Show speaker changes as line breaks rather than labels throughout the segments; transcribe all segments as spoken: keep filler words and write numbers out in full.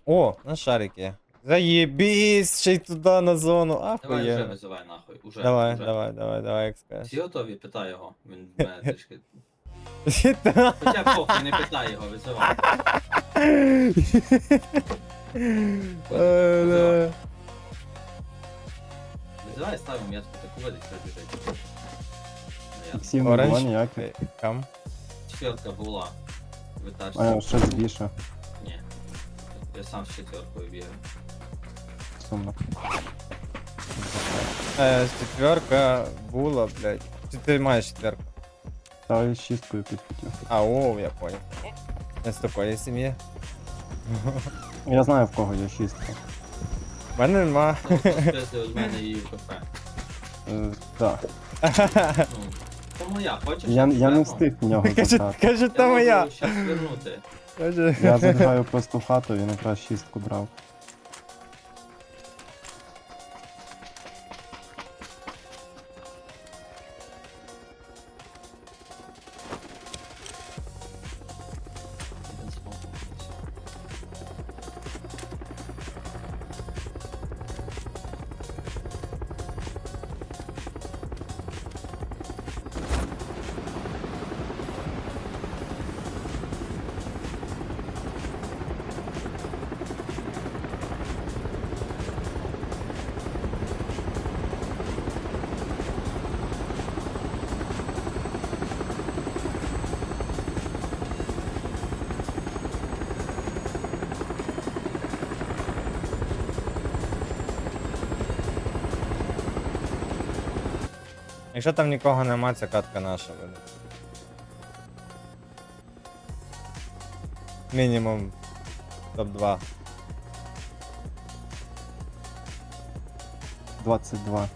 О, на шарики. Заєбісь, ще й туди на зону.
Давай вже
Ахуєнно.
визивай нахуй. Уже,
Давай,
уже.
давай, давай, давай, як скажеш.
Всі готові? Питай його. Він в мене трішки.
Та.
Хоча похуй, не питай його, визивай.
Е, да.
Визивай, ставимо метку, таку ведить, хай біжить. Я-
Іксів не було
Оранж.
ніяких.
Кам.
Четверка була. В етажці.
А, щось більше.
Ні. Я сам з четверкою бігаю.
Сумно.
Е, четверка була, блядь. Чи ти маєш четверку?
Та я з шісткою підхотів.
А, о, я понял. Не з такої сім'ї.
Я знаю в кого є шістка.
В мене нема.
Ну, спиздили від мене її в кафе.
Е, так.
Ну, то моя, хочеш?
Я, я не
Прямо?
встиг в нього
Каже,
забрати.
каже,
Я
та моя.
можу щас вернути.
Каже.
Я забігаю просто в хату і якраз шістку брав.
Один смог.
Якщо там нікого нема, ця катка наша буде. Мінімум топ два.
двадцять два.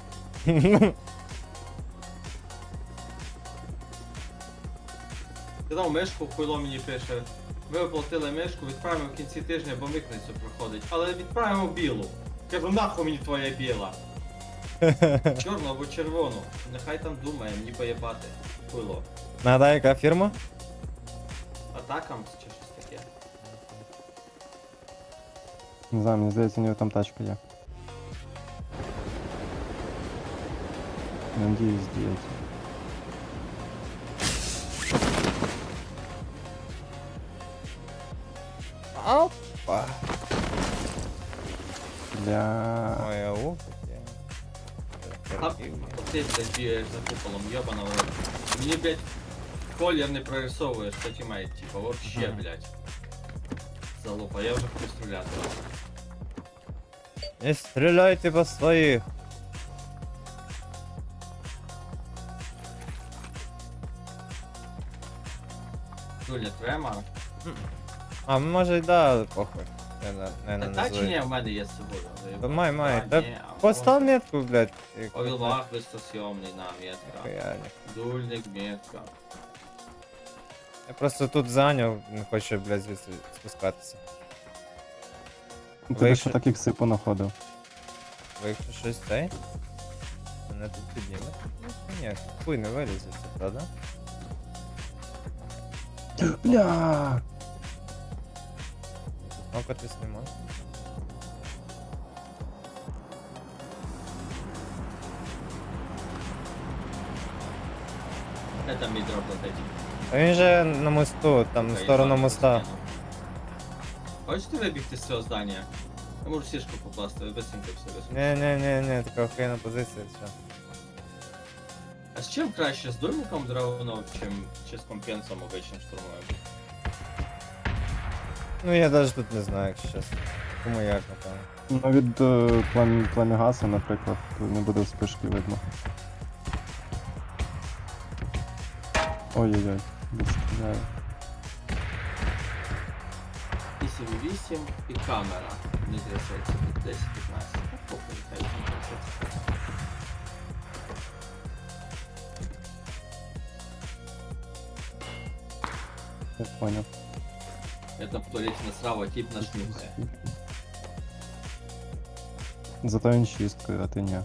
Кидав мишку, хуйло мені пише. Ви оплатили мишку, відправимо в кінці тижня, бо митницю проходить. Але відправимо білу. Кажу, нахуй мені твоя біла. Чорну або червону. Нехай там думає, мені поєбати. Хуйло.
Нагадай, яка фірма?
Атакам чи щось таке.
Не знаю, мені здається, у нього там тачка є. Надіюсь, діють.
Опа.
Для...
Ой, ау, таке.
А, ти, блядь, бігаєш за куполом, йобана в рот. Мені, блядь, колір не прорисовуєш, що тімейт, типа, вообще,
Ага.
блядь. Залупа, я вже хочу стріляти.
Не стріляйте по своїх.
Дуля, трема.
А, може й да, похуй. Не, не, не, не
Та чи ні,
назви.
в мене є з собою.
Та май, май.
Та
Та
ні, а
постав метку, блядь. і-
Овілвах висосйомний на метка.
Ніхуя, ні.
Дульник, метка.
Я просто тут зайняв, не хочу, блядь, звідси спускатися.
Ну,
Ви
Ти
якщо-
що таких сипу находив?
Ви якщо щось цей? Мене тут підніме? Ну, ні, хуй не вилізеться, правда?
Бля!
Нокатись не можна.
Де там мій дроп летить?
А він же на мосту, там в
Окей,
сторону
ладно,
моста.
скину. Хочете вибігти з цього здання? Я можу сішку покласти, ви быстренько все висунути.
Не, не, не, не, така охуєнна позиція, все.
А з чим краще? З дульником драгунов, чим чи з компенсом обичним штурмовим?
Ну я навіть тут не знаю, якщо чесно. Кому як, напевно.
Ну від е, плем... племігаса, наприклад, то не буде вспишки видно. Ой-ой-ой, відстріляю.
вісім вісім і камера. Не трясеться від десять п'ятнадцять. Ну, похуй, хай не трясеться.
Я поняв.
Я там в туалеті насрав, а тип наш нюхає.
Зато він шісткою, а ти ні.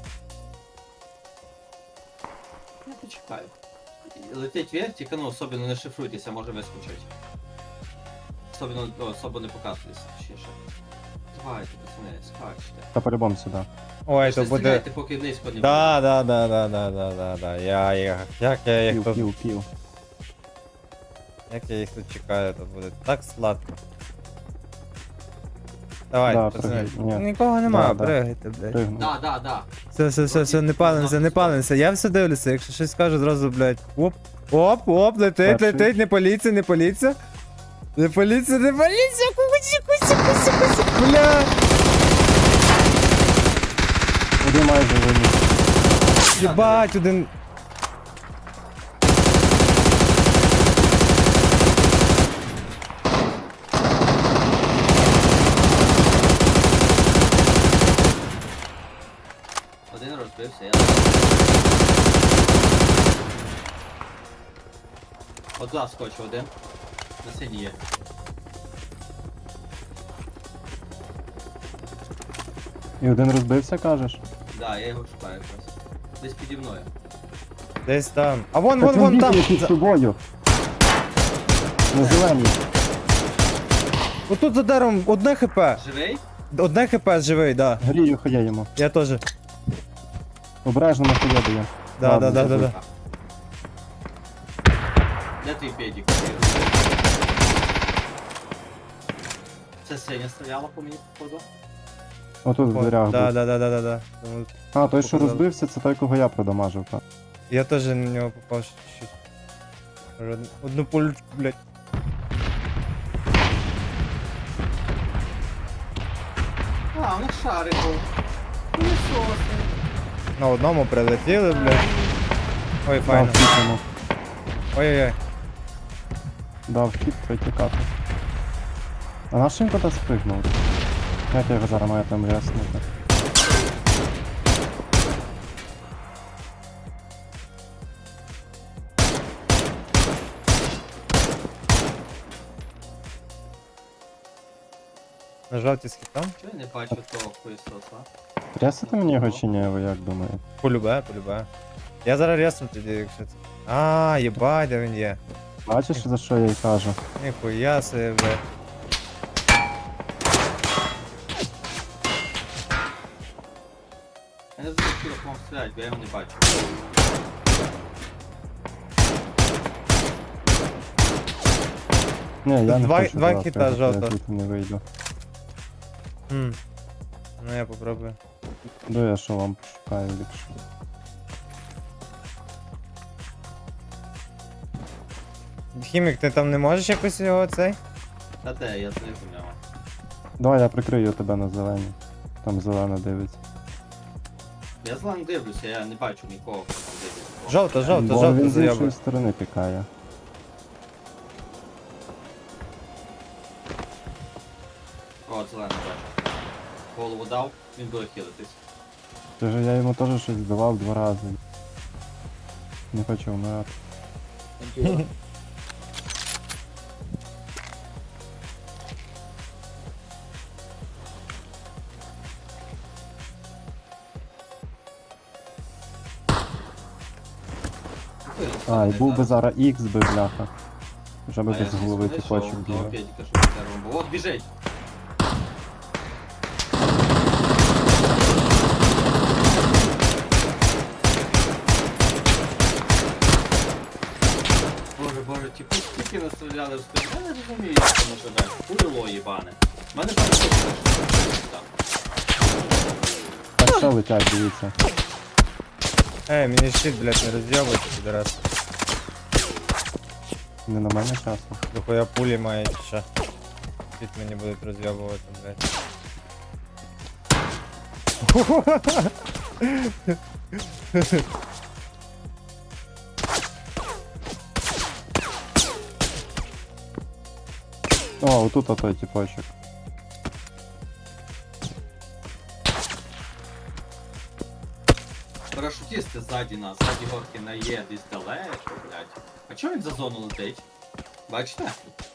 Я почекаю. Летить вертик, ну особливо не шифруйтеся, може вискочить. Особливо, о, особо не показується, точніше. Давайте, пацани, скачте.
Та по-любому сюди.
Ой,
Ви
то
ж
буде.
стріляйте, поки низько не
Да, да, да, да, да, да, да, да. Я, я, як я їх
Пів,
тут,
пів, пів.
як я їх тут чекаю, тут буде так сладко. Давай,
Да,
пацани.
пригай. Ні.
Нікого нема,
Да, да.
пригайте, блядь.
Пригнув.
Да, да, да.
Все, все, все, все, не палимося, не палимося. Я все дивлюся, якщо щось скажу, зразу, блядь. Оп, оп, оп, летить,
Перший.
летить, не політься, не політься. Не політься, не політься, кусі, кусі, кусі, кусі, бля.
Один майже виніс.
Єбать, один.
Один розбився, я. От туди скочу один. На сині є.
І один розбився, кажеш?
Да, я його шукаю якраз. Десь піді мною.
Десь там. А вон,
Так
вон, вон
він
там.
бігає під
За-
тобою. На зеленій.
Отут за деревом одне хп.
Живий?
Одне хп живий, да.
Грію хоя йому.
Я теж.
Обережно на хоя дає.
Да,
Ладно,
да, да, да,
забудь.
да.
Де твій педик? Це синя стріляла по мені, походу.
Отут в
О,
дверях
Да,
був.
да, да, да, да, да. Тому
А, той, що
Показали.
розбився, це той, кого я продамажив. так.
Я теж на нього попав щось. Може, одну- Одну пулечку, блядь.
А, у них шарик був. Пилісоси.
На одному прилетіли, блядь. Ой,
Дав
файно.
хід йому.
Ой-ой-ой.
Дав хід, треба тікати. А наш він куди спригнув? Як я його зараз маю там ряснути?
На жовті з хітом.
Чого я не бачу того пилісоса?
Рясити мені його чи ні, ви як думаєте?
Полюбе, полюбе. Я зараз рясну тоді, якщо це. А, єбать, де він є.
Бачиш, за що я й кажу?
Ніхуя себе, блядь.
Я не знаю, як вам стріляти, бо я його не бачу.
Ні, я не
Два-
хочу
два
зараз,
хіта
я
жовто.
звідти не вийду.
Хм. Ну я попробую.
До я що вам пошукаю ліпше.
Хімік, ти там не можеш якось його цей?
Та де, я знизу в нього.
Давай я прикрию тебе на зеленій. Там зелена дивиться.
Я злам дивлюся, я не бачу нікого, хто там дивиться.
Жовто, жовто,
Бо
жовто
він з
заява.
іншої сторони пікає.
О, зелений бачу. Голову дав, він буде хилитись.
Ти ж я йому теж щось давав два рази. Не хочу вмирати. А, і був би зараз Х би, бляха. Вже би
А я
без голови
знайшов
тіпочок
того
бігав.
педика, що під деревом був. От біжить! Боже, боже, ті пуски скільки настріляли в спину. Я не розумію, як воно живе. Курило їбане. У мене там щось там.
Так що летять, дивіться.
Ей, мені щит, блядь, не роз'єбуйся, підраз.
Не на мене часу.
Дохуя пулі має чи що. Щит мені будуть роз'єбувати, блядь.
О, отут отой тіпочок.
Парашутісти ззаді нас, ззаді горки на Є десь далеко, блядь. А чого він за зону летить? Бачите?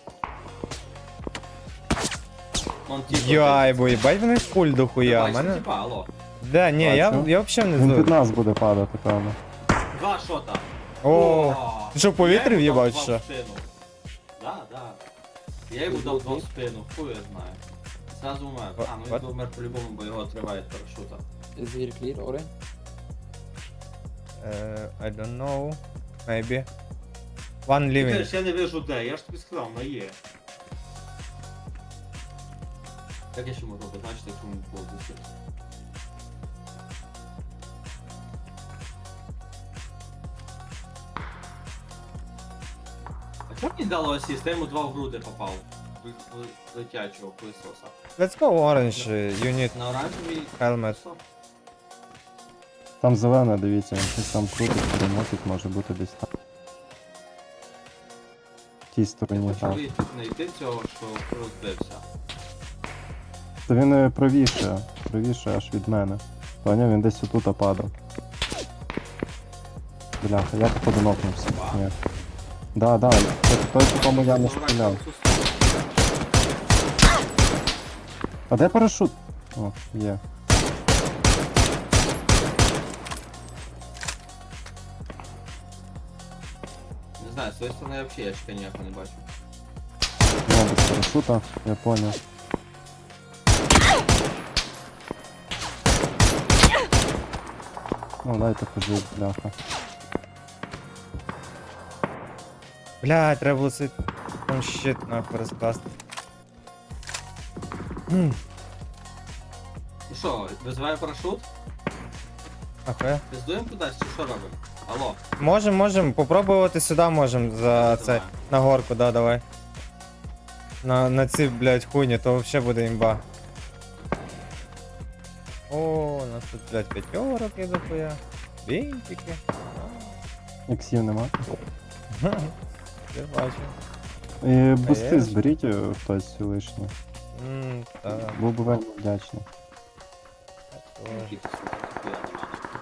Вон ті, хто
Яй, бо їбать в них пуль
ти-
дохуя,
Бачите,
мене...
типа, алло.
Да, ні, я,
Бачу.
я взагалі не
Він під
знаю.
нас буде падати, певно.
Два шота.
О, ти що, в повітрі
Я йому
в'їбав,
дав
чи що?
два в спину. Да, да. Я йому дав два в спину, хуй я знаю. Зразу умер.
What-
А, ну
what?
він умер по-любому, бо його триває парашута.
Is here clear, Oren?
Е, I don't know. Maybe. One
Ти
living.
кажеш, я не вижу де, я ж тобі сказав, на є. Як я ще можу обозначити, якщо він було досить? А чому мені дало асіст? Я йому два в груди попав. В, в летячого пилососа.
Let's go orange. You need
На оранжевий
helmet.
пилосос?
Там зелене, дивіться, він щось там крутить, перемотить, може бути десь там. В тій
Я
стороні
хочу
грав.
вийти, знайти цього, що розбився.
Та він е, правіше, правіше аж від мене. Поняв, він десь отут падав. Бляха, я походу нокнувся. Ні. Да, да, це той, по кому я не стріляв. А де парашут? О, є.
Не знаю, з своєї сторони я взагалі ящика ніякого не бачу.
Ну, без парашута, я понял. Ну, дайте пожить, бляха.
Бля, треба було цей там щит нахуй розкласти. Хм,
Ну що, визиває парашут?
Охуя.
Пиздуємо кудись чи що робимо? Алло.
Можем, можем, попробувати сюди можем за це.
Давай.
На горку, да, давай. На, на ці, блядь, хуйні, то вообще буде імба. О, у нас тут, блядь, п'ятерок є дохуя. Бінтики.
Іксів нема.
Я бачу.
І бусти
Конечно.
зберіть е, хтось лишні.
Ммм, так.
Був би вельми вдячний.
Які ти сука, ніхуя нема.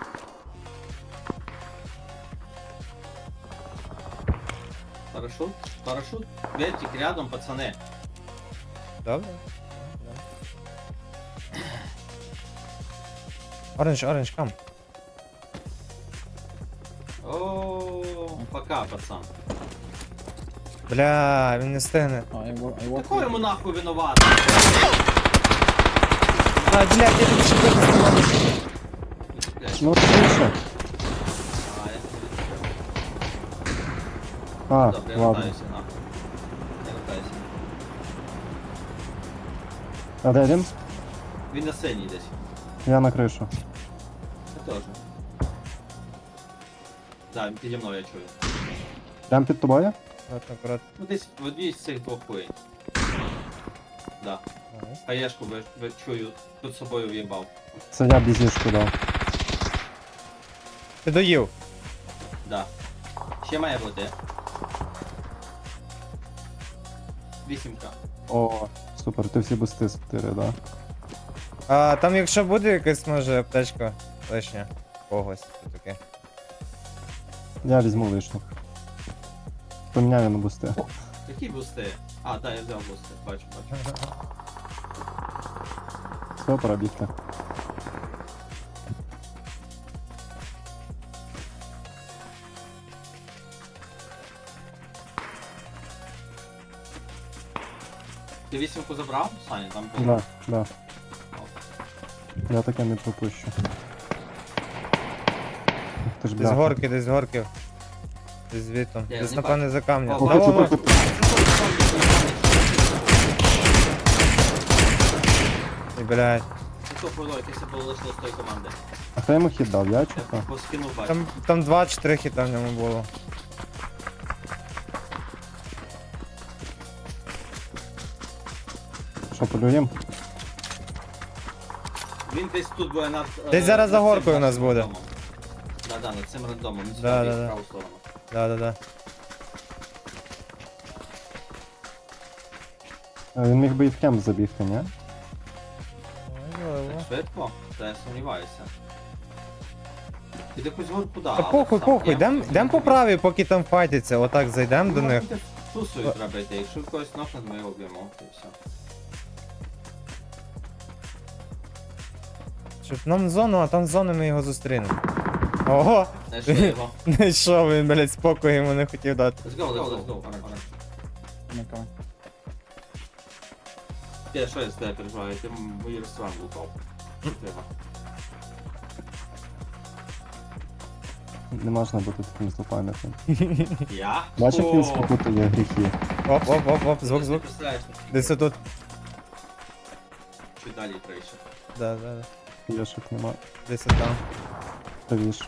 Парашут? Парашут? Вертик рядом, пацаны.
Добре. Оранж, оранж, кам.
О, пока, пацан.
Бля, він не стигне.
Oh, I, wa- I walk
Какой
with
ему
you.
нахуй виноват?
А, блядь, я тут ще
Блядь.
Ну, швидше.
А, я...
А,
Добре, я
ладно.
вертаюся нахуй. Я вертаюся.
А де він?
Він на сцені десь.
Я на кришу.
Я теж. Да, він піді мною, я чую.
Прям під тобою?
Аккуратно, аккуратно.
Ну десь в одній з цих двох хуєнь. Да. Хаєшку ви, ви чую, тут собою в'їбав.
Це я бізішку дав.
Ти доїв.
Да. Ще має бути. Вісімка.
О, супер, ти всі бусти спотири, да?
А там якщо буде якась, може, аптечка лишня. Когось, то таке.
Я візьму лишніх. Поміняю на бусти.
Які бусти? А, да, я взяв бусти. Бачу, бачу.
Все, пора бігти.
Ти вісімку забрав, Саня? Там було.
Да, да. Я таке не пропущу. Ух ти ж
Десь з
бляха.
горки, десь з горки. Десь звідти.
Я
Десь
не
напевне за камня.
О,
Та
бачу,
во, во.
бачу.
І, блядь.
Що було, якесь було лише з тої команди.
А хто йому хід дав? Я чи
Я
хто?
поскинув бачу.
Там, там два-чотири хіта в ньому було.
Що, полюєм?
Він десь тут буде над... е,
Десь зараз за
над цим
горкою у нас
нашим
буде.
рандомом. Да, да, над цим рандомом. Він сюди
Да,
біг
да,
в
да.
праву сторону.
Да-да-да.
Е, Він міг би і в кемп забігти, ні?
Можливо.
Так швидко? Та я сумніваюся. Під якусь горку, да.
Та
але
похуй,
сам
похуй,
я-
йдем, йдем по правій, поки там файтяться, отак зайдем до
Ну,
них.
буде Тусою треба йти. Якщо когось нокнуть, ми його б'ємо. І все.
Щоб нам зону, а там з зони ми його зустрінемо. Ого!
Знайшли його.
Не йшов, він, блядь, спокою йому не хотів дати.
Let's go, let's go, let's go. Оранж, оранж.
I'm coming.
Я що я з тебе переживаю, ти мої ресторан лутав. Що треба?
Не можна бути таким злопам'ятним.
Я?
Бачив, він
О,
спокутує гріхи.
Оп, оп, оп, оп, звук,
ти
звук.
представляєш, наскільки
Десь тут.
Чуть далі трейше.
Да, да, да.
Яшок нема.
Десь там.
Правіше.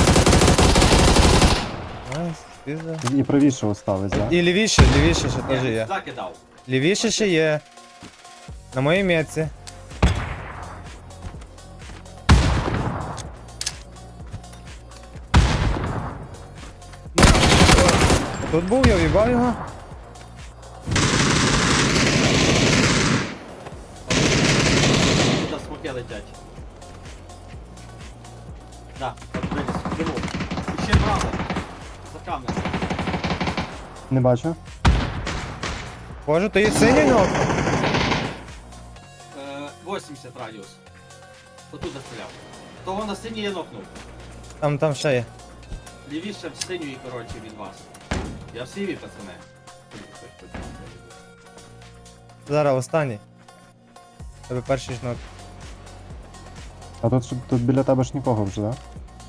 Найс, пізда.
І правіше остались, да?
І лівіше, лівіше ще
Ні,
теж
він
є.
сюди кидав.
Лівіше ще є. На моїй метці. Тут був, я в'їбав його.
Туди смоки летять. Да, от виліз, диву. І ще право. За камнем.
Не бачу.
Боже, то є синій ног.
Е, вісімдесят радіус. Отут стріляв. Того на синій я нокнув.
Там, там ще є.
Лівіше в синьої, коротше, від вас. Я в сіві, пацани.
Зараз останній. Тебе перший ж ног.
А тут, ж- тут біля тебе ж нікого вже, да?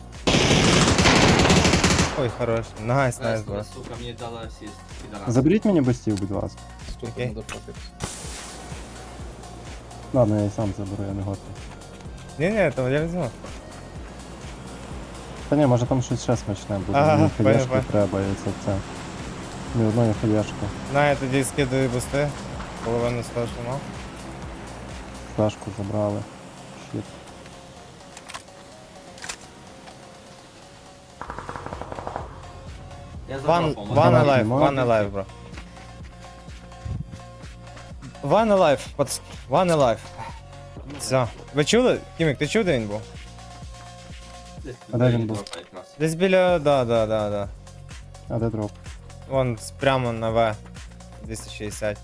Ой, хорош. Найс, найс,
Весело,
бро.
сука, мені дала асіст. Підарас.
Заберіть мені бустів, будь ласка.
Stupid
Okay.
motherfuckers.
Ладно, я і сам заберу, я не готовий.
Ні, ні, то я візьму.
Та ні, може там щось ще смачне буде.
Ага,
Мені
понял,
хаєшки
понял.
треба, і це це. Ні одної хаєшки.
На, я тоді скидаю бусти. Половину з того, що мав.
Флешку забрали. Щит.
Я
One,
забрав, по-моєму.
one
Давай,
alive,
знімай.
one alive, бро. One alive, пац... One alive. Все. Ви чули? Кімік, ти чув, де він був?
Десь
А де він
тут
був?
дропа якраз.
Десь біля, да, да, да, да.
А де дроп?
Вон с- прямо на В. двісті шістдесят.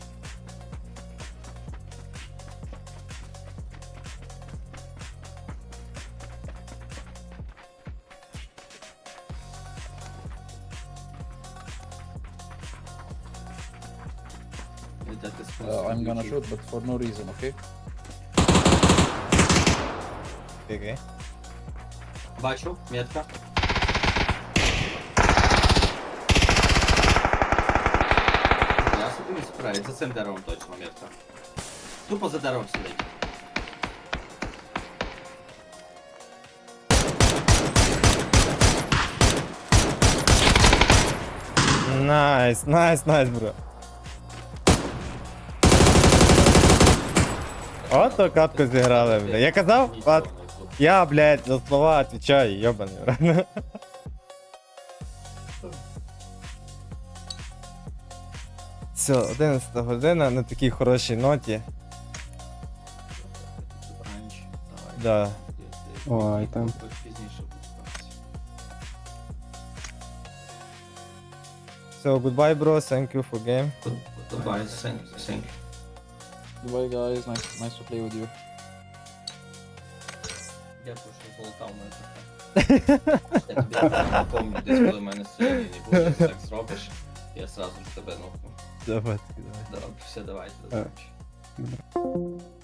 Де ти спуск?
Uh, I'm gonna shoot, but for no reason, okay?
Окей.
Бачу, метка. Я собі не справлю, за цим деревом точно метка. Тупо за деревом сидить.
Найс, найс, найс, бро. Ото катку зіграли, бля. Я казав,
Нічого
Пат,
не було.
я, блядь, за слова отвечаю, йобаний, бро. Все, одинадцята година на такій хорошій ноті.
Ранч, давай.
Да.
Ой, там.
Пізніше буде.
So, goodbye, bro. Thank you for game.
Goodbye, thank you, thank you.
Goodbye, guys. Nice, nice to play with you.
Дякую, що золотав мене трохи. Я тобі напомню, десь коли в мене сьогодні не буде, ти так зробиш, я сразу ж тебе нокну.
Давай, давай.
Добре, все, давайте, до
Е.
зустрічі.